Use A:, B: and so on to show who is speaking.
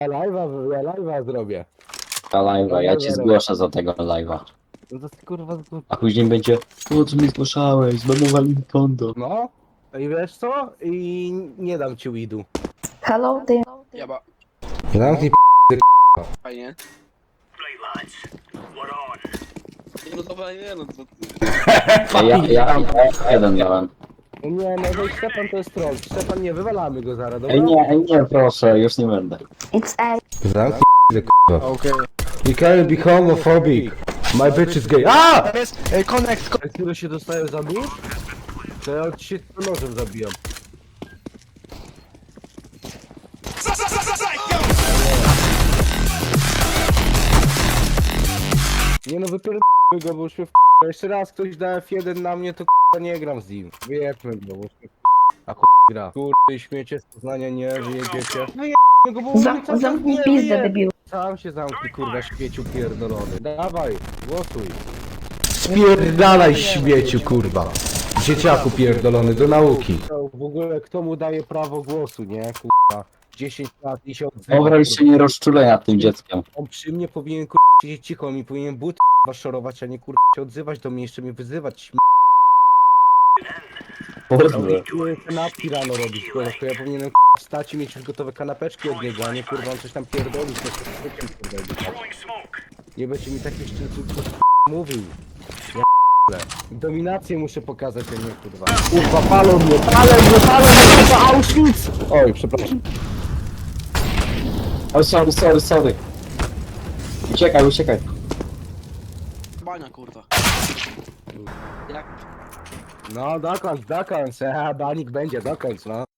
A: Ja live'a zrobię.
B: Ta live'a, ja cię
A: Dobra.
B: zgłoszę za tego live'a.
A: No to ty, kurwa
B: A później będzie, po co mnie zgłaszałeś, zbanowali mi konto.
A: No. I wiesz co? I nie dam ci weedu.
C: Hello, ty.
D: Jaba,
A: Zamknij
D: fajnie. Nie no dobra, nie no to...
B: Ja jeden dałem.
A: Nie, no to Szczepan to jest troll. Szczepan, nie, wywalamy go zaraz, dobra?
B: Nie, proszę, już nie będę.
C: It's A.
A: Zamknij k***a.
D: Okej.
A: You can't be homophobic. My bitch is gay. A!
D: Tam jest, connect,
A: Które się dostają za nóż? To ja ci się nożem zabijam. Nie no, wypierdolmy go, bo już mnie w... Jeszcze raz ktoś da F1 na mnie, to k***a nie gram z nim. Wyjebmy go, bo już mnie a gra. Kurde, śmiecie z Poznania, nie wyjedziecie. Wyjebmy go, bo mnie cały czas
C: Zamknij
A: nie
C: pizdę,
A: wyjebie.
C: debilu.
A: Sam się zamknij, kurwa, śmieciu pierdolony. Dawaj, głosuj. Spierdalaj, śmieciu, kurwa. Dzieciaku pierdolony, do nauki. W ogóle, kto mu daje prawo głosu, nie, kurwa. 10 lat i się odzywa.
B: Dobra, już się nie rozczulaj nad tym dzieckiem.
A: On przy mnie powinien, kurwa, siedzieć cicho, on mi powinien but, kurwa, szorować, a nie, kurwa, się odzywać do mnie, jeszcze mnie wyzywać.
B: Boże.
A: Kanapki rano robić, kurwa, to ja powinienem, kurwa, wstać i mieć już gotowe kanapeczki od niego, a nie, kurwa, on coś tam pierdolić, to jest nie będzie mi takich szczęśliwych mówił. Ja p***le. Dominację muszę pokazać, a nie, kurwa. Kurwa, palą mnie, kurwa, Auschwitz! Oj, przepraszam.
B: O, sorry. Uciekaj.
D: bania kurwa. Jak?
A: No, dokończ, banik będzie, dokończ, no.